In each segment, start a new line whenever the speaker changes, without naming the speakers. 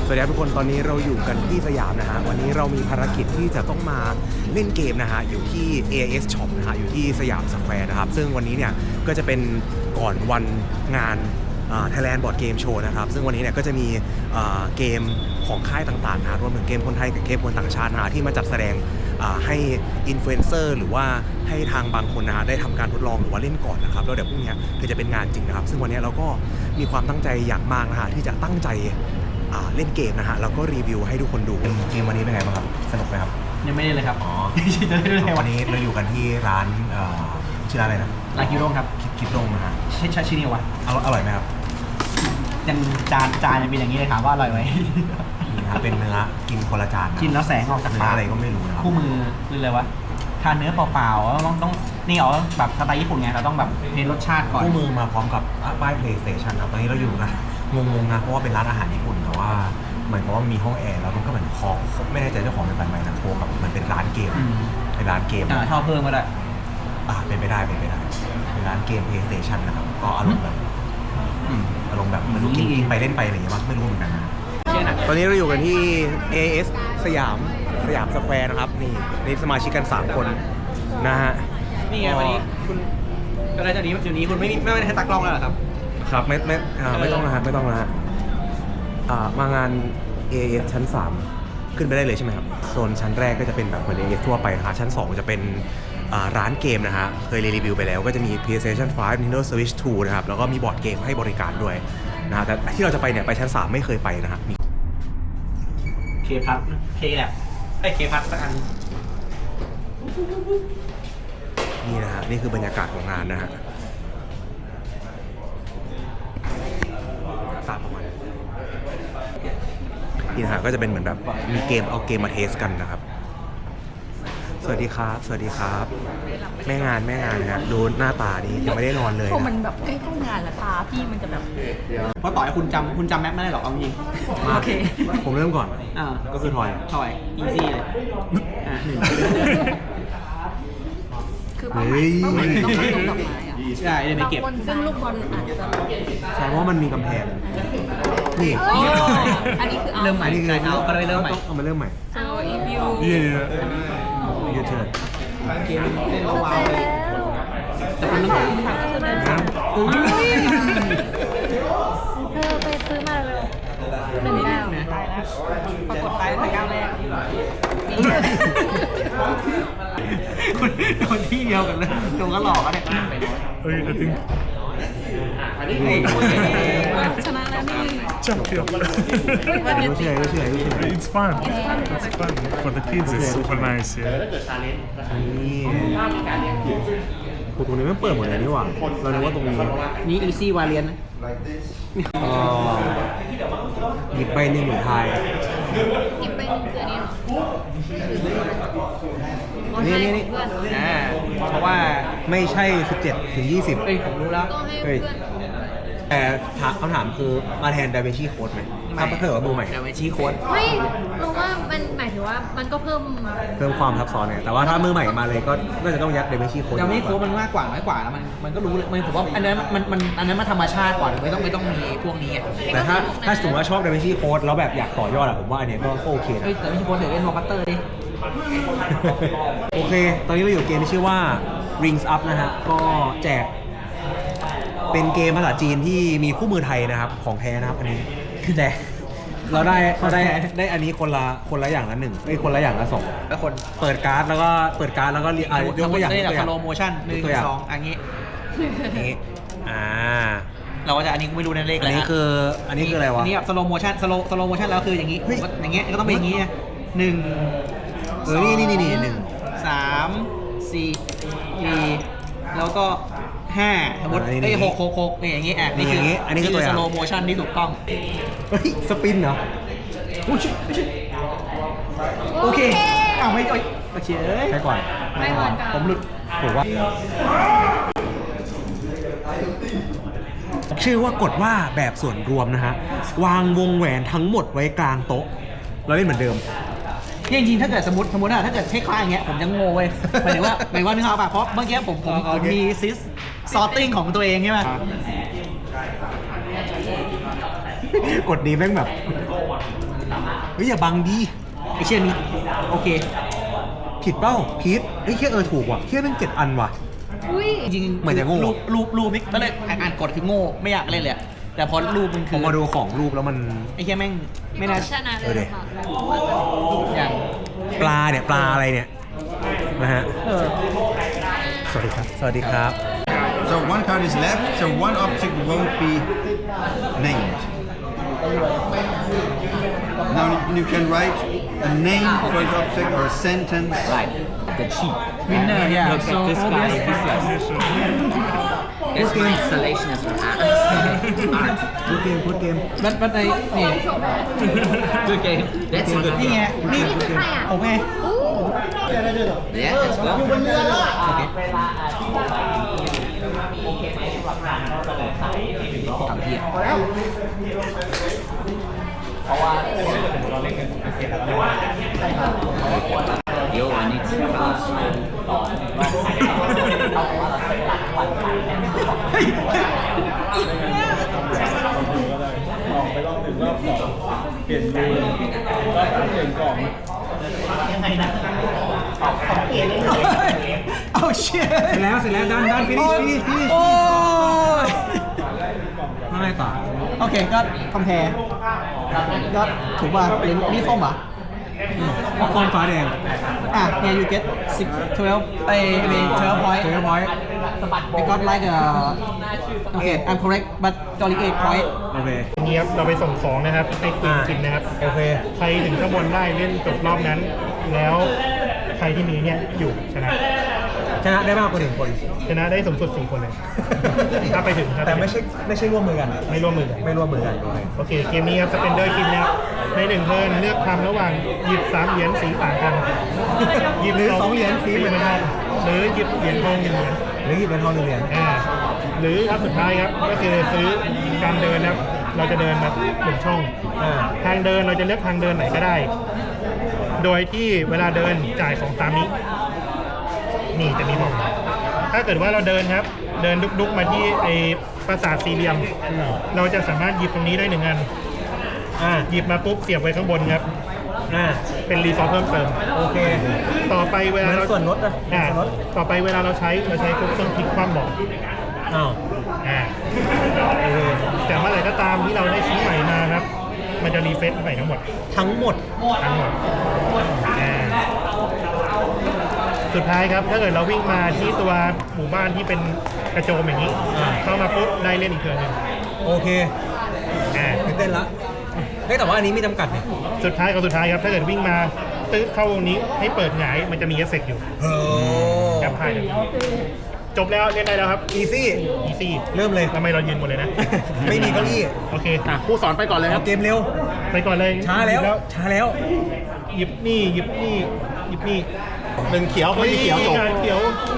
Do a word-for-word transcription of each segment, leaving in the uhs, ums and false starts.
สวัสดีครับทุกคนตอนนี้เราอยู่กันที่สยามนะฮะวันนี้เรามีภารกิจที่จะต้องมาเล่นเกมนะฮะอยู่ที่ เอ เอส Shop นะฮะอยู่ที่สยามสแควร์นะครับซึ่งวันนี้เนี่ยก็จะเป็นก่อนวันงาน Thailand Board Game Show นะครับซึ่งวันนี้เนี่ยก็จะมีเกมของค่ายต่างๆนะรวมถึงเกมคนไทยกับเกมคนต่างชาตินะที่มาจัดแสดงให้อินฟลูเอนเซอร์หรือว่าให้ทางบางคนนะได้ทำการทดลองหรือว่าเล่นก่อนนะครับแล้วเดี๋ยวพรุ่งนี้คือจะเป็นงานจริงนะครับซึ่งวันนี้เราก็มีความตั้งใจอย่างมากนะฮะที่จะตั้งใจเล่นเกมนะฮะแล้วก็รีวิวให้ทุกคนดูเกมวันนี้เป็นไงบ้างครับสนุกไหมครับ
ยังไม่ได้เลยครับอ๋อ
จะได้เลยวันนี้เราอยู่กันที่ร้านชื่อร้านอะไรนะ
ร้านคิโร่ครับ
คิโร่นะฮะ
ใช่ชื่อนี้วะ
อร่อยไหมครับ
ยังจานจานยังเป็นอย่างนี้เลยถามว่าอร่อยไหม
นี่ครับเป็นเนื้อกินคนละจาน
กินแล้วแสงออกจากปาก
อะไรก็ไม่รู้นะครับ
คู่มือคืออะไรวะทานเนื้อเปล่าๆแล้วต้องต้องนี่เหรอแบบสไตล์ญี่ปุ่นไงเราต้องแบบเน้นรสชาติก่อน
คู่มือมาพร้อมกับป้าย PlayStation ครับตอนนี้เราอยู่กันงงๆนะเพราะว่าเป็นร้านอาหารญี่ปุ่นแต่ว่าเหมือนกับว่ามีห้องแอร์แล้วมันก็เหมือนคอไม่แน่ใจเจ้าของเป็นแบบไหนนะโทรกับมันเป็นร้านเกมเป็นร้านเกม
อ่าชอบเพิ่มก็ได้
อ่าเป็นไปได้เป็นไปได้เป็นร้านเกม PlayStation นะครับก็อารมณ์แบบอารมณ์แบบไม่รู้กินไปเล่นไปอะไรอย่างเงี้ยไม่รู้เหมือนกันนะตอนนี้เราอยู่กันที่ เอ เอส สยามสยามสแควร์นะครับนี่นี่สมาชิกกันสามคนนะฮะ
นี่ไงวันนี้คุณก็ได้จากนี้เดี๋ยวนี้คุณไม่ไม่ได้ให้ตากล้องแล้วเหรอครับ
ครับไม่ไม่ไม่ต้องนะฮะไม่ต้องนะฮะมางาน เอ เอส ชั้นสามขึ้นไปได้เลยใช่ไหมครับโซนชั้นแรกก็จะเป็นแบบเหมือน เอ เอส ทั่วไปนะฮะชั้นสองจะเป็นร้านเกมนะฮะเคยรีวิวไปแล้วก็จะมี PlayStation ไฟว์ Nintendo Switch ทูนะครับแล้วก็มีบอร์ดเกมให้บริการด้วยนะฮะแต่ที่เราจะไปเนี่ยไปชั้นสามไม่เคยไปนะฮะมี
เคพัทเคแลบไอ้เคพัทสักอัน
นี่นะฮะนี่คือบรรยากาศของงานนะฮะตามประมาณนี่นะฮะก็จะเป็นเหมือนแบบมีเกมเอาเกมมาเทสกันนะครับสวัสดีครับสวัสดีครับแม่งานแม่งานนะฮะดูหน้าตานี้ยังไม่ได้นอนเลย
พอมันแบบใกล้ๆงานแล้วตาพี่มันจะแบบ
เพราะต่อให้คุณจำคุณจำแมปไม่ได้หรอกเอาจริง
โอเคผมเริ่มก่อน
อ่า
ก็คือทอย
ทอยอีซี่เลยอ่าหนึ่ง
คือเป้าหมายเป้าหมายต้องไปลงดอกไม้อะ
ใช่เดี๋ยวไปเก็บ
ซึ่งลูกบอลอาจจะ
ใช่เพราะมันมีกำแพงนี่
อันนี้คือ
เริ่มใหม่เอาก็เลยเริ่มใหม่
เอามาเริ่มใหม่
so if you
เย่ยูเทิร์น
เกมเล่นว้าวเลยแต่คุณต้องถาม
ถามก็คือเดินสายเธอไปซื้อมาเลยหนึ่งแล้วตายแล้วปรากฏตายในก้าวแรก
คุณโดนที่เดียวกันเลยโดนก็หลอกอ่ะเนี่ย
เฮ้ยจริง
ชนะแล้วนี่
Champion. It's fun. It's fun for the kids. It's super nice. Yeah.
นี่ตรงนี้ไม่เปิดหมดเลยนี่หว่าเราคิดว่าตรงนี้
นี่ easy variant นะ
หยิบไปหนึ่งหมื่นไทย
หยิบไปหนึ่งคืออันนี้
นี่นี่นี่
อ่าเพราะว่า
ไม่ใช่สิบเจ็ดถึงยี่สิบ
เอ้ยผมรู้แล้ว
เฮ้ยแต่คำถามคือมาแทนไดเวชี่โค้ดไหมถ้าเกิดว่ามือใหม่
ไดเวชี่โค้ด
ไม่รู้ว่ามันหมายถึงว่ามันก็เพิ่ม
เพิ่มความซับซ้อนเนี่ยแต่ว่าถ้ามือใหม่มาเลยก็น่าจะต้องยัดไดเวชี่โค้ด
ไดเวชี่โค้ดมันมากกว่าน้อยกว่าแล้วมันมันก็รู้เลยมันผมว่าอันนั้นมันมันอันนั้นมันธรรมชาติกว่าไม่ต้องไม่ต้องมีพวกนี้
แต่ถ้าถ้าสมมติว่าชอบไดเวชี่โค้ดแล้วแบบอยากต่อยอดอะผมว่าอันนี้ก็โอเคนะ
เฮ้ยแต่ไดเวชี่โค้ดเดี๋ยวเล่นวอลคัตเตอร์ดิ
โอเคตอนนี้เราอยู่เกมที่ชื่อว่า Rings Up นะฮะก็แจกเป็นเกมภาษาจีนที่มีคู่มือไทยนะครับของแท้นะครับอันนี้แต่เราได้เราได้ได้อันนี้คนละคนละอย่างละหนึ่งไอ้คนละอย่างละสอง
แล้วคน
เปิดการ์ดแล้วก็เปิดการ์ดแล้วก็ยกตัวอย่าง
ตัวอย่างสโลโมชั่นหนึ่งสองอันนี้
นี้อ่า
เราก็จะอันนี้กูไม่รู้นั่นเลขอะไร
อันนี้คืออันนี้คืออะไรวะ
อันนี้แบบสโลโมชั่นสโลสโลโมชั่นแล้วคืออย่างนี้อย่างเงี้ยก็ต้องเป็นอย่างนี้หนึ่ง
เออนี่นี่นี่หนึ่ง
สามสี่แล้วก็ห้าสมมติไอ้หกหกหกนี่อย่างงี้อ่ะนี่คือ
อันนี้คือตัว
สโลโมชั่นที่ถูกต้อง
เฮ้ยสปินเหรอ
โอเคอ้าวไม่โอเค
ใช่ก่อน
ไม่ก่อน
ผมหลุดผมว่าชื่อว่ากดว่าแบบส่วนรวมนะฮะวางวงแหวนทั้งหมดไว้กลางโต๊ะเราเล่นเหมือนเดิม
จริงๆถ้าเกิดสมมติสมมติอะถ้าเกิดคล้ายๆอย่างเงี้ยผมจะงงเว้ยหมายถึงว่าหมายว่านึกออกป่ะเพราะเมื่อกี้ผมผมผมมีซิสซอร์ติ้งของตัวเองใช่ไหม
กดนี้แม่งแบบเฮ้ยอย่าบังดี
ไอเชี่ยนี้โอเค
ผิดเป้าพีทเฮ้ยแค่เออถูกว่ะแค่เป็นเจ็ดอันว่ะ
อุ้ย
จริงๆ
เหมือนจะโง่
รูปรูปรูปนี่ตอนแรกอ่านกฎคือโง่ไม่อยากเล่นเลยอะแต่พอรูปมัน
ผ
คื
ม
อ
มาดูของรูปแล้วมัน
ไอ้เชี่ยแม่งไม่น่า
ชนะ
เออ
เล
ดิ
ยค่ะ
อย่าง
ปลาเนี่ยปลาอะไรเนี่ยนะฮะ
เออ
สวัสดีครับ สวัสดีครับ
So one card is left, so one object won't be named. Now you can write a name for the object or a sentence.
Right, the cheat.
winner yeah
Look
so
at this guy.
obvious
This guy. It's my installation as an art. art.
พูดเกมพูดเกม
บัตบัตในนี่
Good game. That's a good
นี่ไง
game.
นี่
นี่คือใครอ่ะ
ผมไง
อู้
Yeah, let's go.
โอเค
ทำเพี้ย Yo, I need to pass.
เอาเชี่ย
เสร็จแล้วเสร็จแล้วด้านด้านฟินิชฟินิชฟินิช
โอ้ย
มาไงต่อ
โอเคก็คอมเพร์ก็ถูกป่ะหรือนี่ส้มเหรอ
มังกรฟ้าแดง
อ่ะเนี่ย you get six twelve ไอ้ I mean twelve point
เจอพอยต์
I got like a okay I'm correct but only eight point
โอเค
นี้ครับเราไปส่งของนะครับให้ควีนกินนะครับ
โอเค
ใครถึงข้างบนได้เล่นจบรอบนั้น แล้วใครที่มีเนี่ยอยู่ชนะ
ชนะได้มากกว่าหนึ่งคน
ชนะได้สูงสุดสี่คนเลย ถ้าไปถึงถ้าป
แต่
ถึง
ไม่ใช่ไม่ใช่ร่วมมือกัน
ไม่ร่วมมือกัน
ไม่ร่วมมือกันโอเค
โอเค เกมนี้ครับสเปนเดอร์คินนะครับในหนึ่งเทิร์นเลือกทำระหว่างหยิบสามเหรียญสีต่างกัน หยิบ
หรือสองเหรียญสีเหมือนกัน
หรือหยิบเหรียญทองหนึ่งเหรียญ
หรือหยิบเป็นทองหนึ่งเหรียญ
อ่าหรืออันสุดท้ายครับก็คือซื้อการเดินนะครับเราจะเดินมาหนึ่งช่อง
อ่า
ทางเดินเราจะเลือกทางเดินไหนก็ได้ โดยที่เวลาเดินจ่ายของตามนี้ นี่จะมีบอก ถ้าเกิดว่าเราเดินครับ เดินดุกๆมาที่ไอปราสาทสี่เหลี่ยม เราจะสามารถหยิบตรงนี้ได้หนึ่งอัน
อ่า
หยิบมาปุ๊บเสียบไว้ข้างบนครับ
อ่า
เป็นรีซอสเพิ่มเติม
โอเค
ต่อไปเวลา
เหมื
เรา
อนส่วนลดนะ
อ่า
ส่วนลด
ต่อไปเวลาเราใช้เราใช้ปุ๊บต้องพลิกคว่ำบอก
อ้าว
อ่า
โอเค
แต่เมื่อไหร่ก็ตามที่เราได้ชิ้นใหม่มาครับ มันจะรีเฟซใหม่ทั้งหมด
ทั้งหมด
ทั้งหมดอ่าสุดท้ายครับ ถ้าเกิดเราวิ่งมาที่ตัวหมู่บ้านที่เป็นกระโจมอย่างนี้
อ่า
เข้ามาปุ๊บได้เล่นอีกเทิร์นหนึ่ง
โอเค
อ่า
ตื่นเต้นละเฮ้ยแต่ว่าอันนี้มีจำกัดเนี่ย
สุดท้ายกับสุดท้ายครับ ถ้าเกิดวิ่งมาตื้อเข้าวงนี้ให้เปิดหงายมันจะมีเอฟเฟกต์อยู่
โอ้
แคปพายเลยจบแล้วเล่นได้แล้วครับ
อีซี่
อีซี่
เริ่มเลย
ทำไมเรายืนหมดเลยนะ
ไม่มีเก้าอี้
โอเคครูสอนไปก่อนเลยค
เอา
รับ
เกมเร็ว
ไปก่อนเลย
ช้าแล้ว
หยิบ
ช้าแล้ว
หยิบนี่หยิบนี่หยิบนี่
หนึ่งเขียวคนที่เขียวจบ
เขียว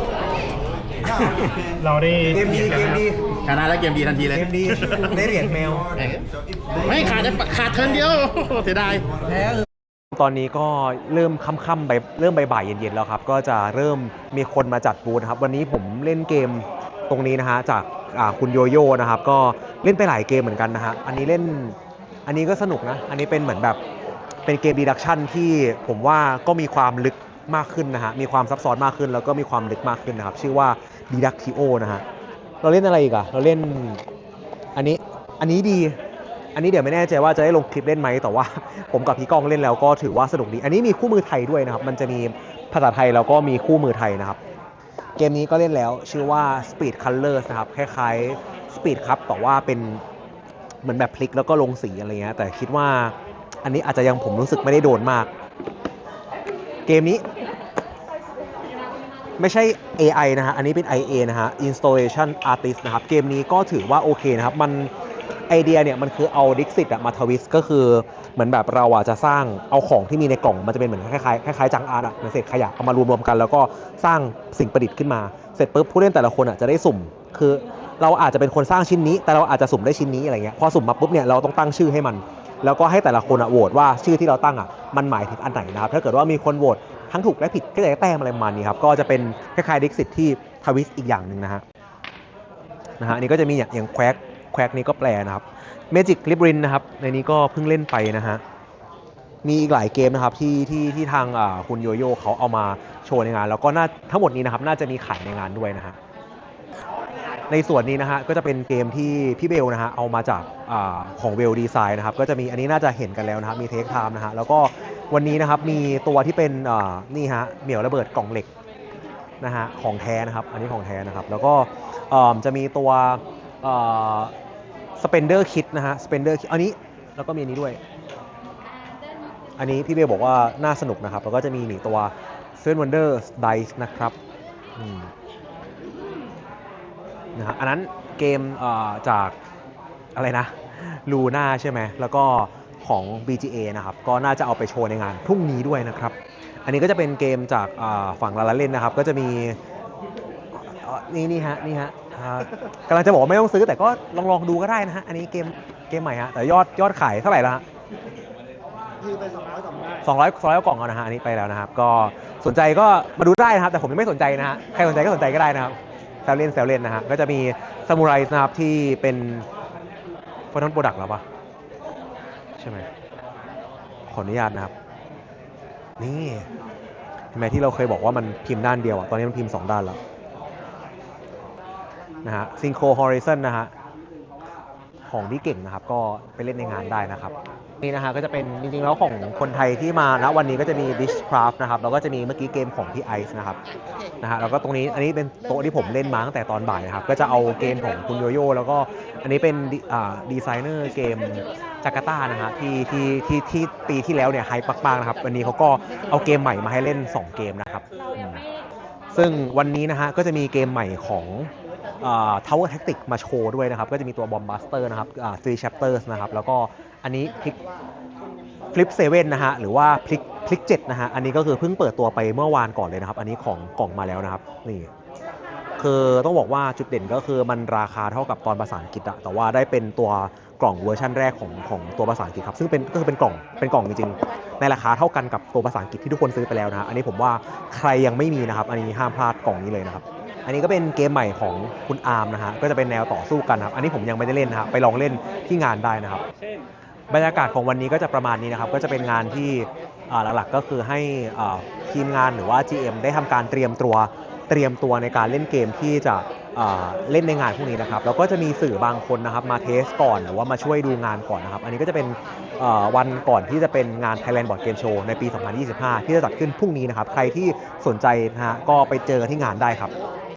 เราได้
เกมดีเกมดี
ชนะแล้วเกมดีทันทีเลย
เกมดีได้เหรียญแมว
ไม่ขาดขาดเทิร์นเดียวเสียดาย
ตอนนี้ก็เริ่มค่ำๆไปเริ่มบ่ายๆเย็นๆแล้วครับ ก็จะเริ่มมีคนมาจัดบูธนะครับ วันนี้ผมเล่นเกมตรงนี้นะฮะจากอ่าคุณโยโย่นะครับ ก็เล่นไปหลายเกมเหมือนกันนะฮะอันนี้เล่นอันนี้ก็สนุกนะ อันนี้เป็นเหมือนแบบเป็นเกมดีดักชันที่ผมว่าก็มีความลึกมากขึ้นนะฮะมีความซับซ้อนมากขึ้น แล้วก็มีความลึกมากขึ้นนะครับ ชื่อว่า Diductio นะฮะเราเล่นอะไรอีกอะเราเล่นอันนี้อันนี้ดี อันนี้เดี๋ยวไม่แน่ใจว่าจะได้ลงคลิปเล่นไหมแต่ว่า ผมกับพี่ก้องเล่นแล้วก็ถือว่าสนุกดี อันนี้มีคู่มือไทยด้วยนะครับ มันจะมีภาษาไทยแล้วก็มีคู่มือไทยนะครับ เกมนี้ก็เล่นแล้วชื่อว่า Speed Colors นะครับคล้ายๆ Speed ครับแต่ว่าเป็นเหมือนแบบพลิกแล้วก็ลงสีอะไรเงี้ยแต่คิดว่าอันนี้อาจจะยังผมรู้สึกไม่ได้โดนมาก เกมนี้ไม่ใช่ เอ ไอ นะฮะอันนี้เป็น ไอ เอ นะฮะ Installation Artist นะครับเกมนี้ก็ถือว่าโอเคนะครับมันไอเดียเนี่ยมันคือเอาดิกซิตมาทวิสต์ก็คือเหมือนแบบเราอ่ะจะสร้างเอาของที่มีในกล่องมันจะเป็นเหมือนคล้ายๆคล้ายๆจังอาร์ตอ่ะเหมือนเศษขยะเอามารวมๆกันแล้วก็สร้างสิ่งประดิษฐ์ขึ้นมาเสร็จปุ๊บผู้เล่นแต่ละคนอ่ะจะได้สุ่มคือเราอาจจะเป็นคนสร้างชิ้นนี้แต่เราอาจจะสุ่มได้ชิ้นนี้อะไรเงี้ยพอสุ่มมาปุ๊บเนี่ยเราต้องตั้งชื่อให้มันแล้วก็ให้แต่ละคนอ่ะโหวตว่าชื่อที่เราตั้งอ่ะมันหมายถึงอันไหนนะครับถ้าเกิดว่ามีคนโหวตทั้งถูกและผิดก็จะได้แต้มอะไรประมาณนี้ครับก็จะเป็นคล้ายๆดิกซิตที่ทวิสต์อีกอย่างหนึ่งนะฮะนะฮะอันนี้ก็จะมีอย่างแควกแควกนี้ก็แปลนะครับMagic Labyrinth นะครับในนี้ก็เพิ่งเล่นไปนะฮะมีอีกหลายเกมนะครับที่ที่ที่ทางอ่าคุณโยโย่เขาเอามาโชว์ในงาน แล้วก็น่าทั้งหมดนี้นะครับน่าจะมีขายในงานด้วยนะฮะในส่วนนี้นะฮะก็จะเป็นเกมที่พี่เบลนะฮะเอามาจากอาของเวลดีไซน์นะครับก็จะมีอันนี้น่าจะเห็นกันแล้วนะครับมีเทคไทม์นะฮะแล้วก็วันนี้นะครับมีตัวที่เป็นอ่านี่ฮะเหมี่ยวระเบิดกล่องเหล็กนะฮะของแท้นะครับอันนี้ของแท้นะครับแล้วก็อ่าจะมีตัวสเปนเดอร์คิดนะฮะสเปนเดอร์อันนี้แล้วก็มีอันนี้ด้วยอันนี้พี่เบลบอกว่าน่าสนุกนะครับแล้วก็จะมีหนีตัวเซเว่นวันเดอร์ไดส์นะครับอืมนะฮะอันนั้นเกมจากอะไรนะลูน่าใช่ไหมแล้วก็ของ บี จี เอ นะครับก็น่าจะเอาไปโชว์ในงานพรุ่งนี้ด้วยนะครับอันนี้ก็จะเป็นเกมจากฝั่งลาลาเล่นนะครับก็จะมีนี่นี่ฮะนี่ฮะกำลังจะบอกว่าไม่ต้องซื้อแต่ก็ลองลองดูก็ได้นะฮะอันนี้เกมเกมใหม่ฮะแต่ยอดยอดขายเท่าไหร่แล้วฮะสองร้อยสองร้อยกล่องเอานะฮะอันนี้ไปแล้วนะครับก็สนใจก็มาดูได้นะครับแต่ผมยังไม่สนใจนะฮะใครสนใจก็สนใจก็ได้นะครับแซวเล่นแซวเล่นนะฮะก็จะมีซามูไรนะครับที่เป็นฟอนต์โปรดักต์แล้วปะใช่ไหมขออนุญาตนะครับนี่เห็นไหมที่เราเคยบอกว่ามันพิมพ์ด้านเดียวอ่ะตอนนี้มันพิมพ์สองด้านแล้วนะฮะซิงโครฮอริซอนนะฮะของที่เก่งนะครับก็ไปเล่นในงานได้นะครับนี่นะฮะก็จะเป็นจริงๆแล้วของคนไทยที่มาณวันนี้ก็จะมี Dishcraft นะครับแล้วก็จะมีเมื่อกี้เกมของพี่ไอซ์นะครับนะฮะแล้วก็ตรงนี้อันนี้เป็นโต๊ะที่ผมเล่นมาตั้งแต่ตอนบ่ายนะครับก็จะเอาเกมของคุณโยโย่แล้วก็อันนี้เป็นดีไซเนอร์เกมจาการ์ตานะฮะที่ที่ที่ที่ปีที่แล้วเนี่ยไฮป์มากๆนะครับวันนี้เขาก็เอาเกมใหม่มาให้เล่นสองเกมนะครับซึ่งวันนี้นะฮะก็จะมีเกมใหม่ของTower Tactics มาโชว์ด้วยนะครับก็จะมีตัว Bomb Buster นะครับทรี Chapters นะครับแล้วก็อันนี้พลิกฟลิปเซเว่นนะฮะหรือว่าพลิกพลิกเจ็ดนะฮะอันนี้ก็คือเพิ่งเปิดตัวไปเมื่อวานก่อนเลยนะครับอันนี้ของกล่องมาแล้วนะครับนี่คือต้องบอกว่าจุดเด่นก็คือมันราคาเท่ากับตอนภาษาอังกฤษอะแต่ว่าได้เป็นตัวกล่องเวอร์ชันแรกของของตัวภาษาอังกฤษครับซึ่งเป็นก็คือเป็นกล่องเป็นกล่องจริงๆในราคาเท่ากันกับตัวภาษาอังกฤษที่ทุกคนซื้อไปแล้วนะฮะอันนี้ผมว่าใครยังไม่มีนะครับอันนี้ห้ามพลาดกล่องนี้เลยนะครับอันนี้ก็เป็นเกมใหม่ของคุณอาร์มนะฮะก็จะเป็นแนวต่อสู้กันครับอันนี้ผมยังไม่ได้เล่นนะครับไปลองเล่นที่งานได้นะครับบรรยากาศของวันนี้ก็จะประมาณนี้นะครับก็จะเป็นงานที่หลักๆก็คือให้ทีมงานหรือว่า จี เอ็ม ได้ทำการเตรียมตัวเตรียมตัวในการเล่นเกมที่จะเล่นในงานพวกนี้นะครับแล้วก็จะมีสื่อบางคนนะครับมาเทสก่อนหรือว่ามาช่วยดูงานก่อนนะครับอันนี้ก็จะเป็นวันก่อนที่จะเป็นงาน Thailand Board Game Show ในปี สองพันยี่สิบห้า ที่จะจัดขึ้นพรุ่งนี้นะครับใครที่สนใจนะฮะก็ไปเจอที่งานได้ครับ